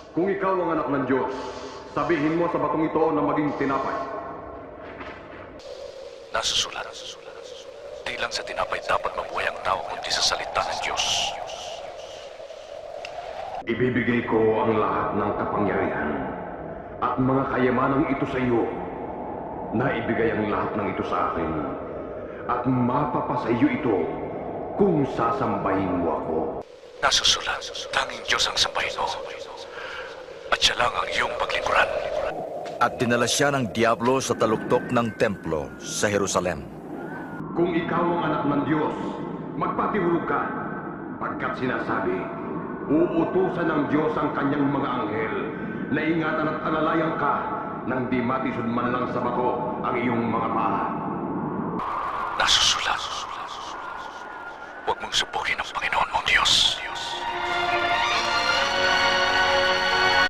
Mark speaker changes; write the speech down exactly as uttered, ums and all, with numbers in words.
Speaker 1: Kung ikaw ang anak ng Diyos, sabihin mo sa batong ito na maging tinapay.
Speaker 2: Nasusulat. Di lang sa tinapay dapat mabuhay ang tao kundi sa salita ng Diyos.
Speaker 1: Ibibigay ko ang lahat ng kapangyarihan at mga kayamanang ito sa iyo na ibigay ang lahat ng ito sa akin at mapapasa iyo ito kung sasambahin mo ako.
Speaker 2: Nasusulat. Tanging Diyos ang sambahin mo. At siya lang ang iyong paglingkuran.
Speaker 3: At dinala siya ng Diablo sa taluktok ng templo sa Jerusalem.
Speaker 1: Kung ikaw ang anak ng Diyos, magpatihulog ka, pagkat sinasabi, uutusan ng Diyos ang kanyang mga anghel na ingatan at alalayan ka nang di matisod man lang sa bato ang iyong mga paa.
Speaker 2: Nasusulat. Huwag mong subukin ang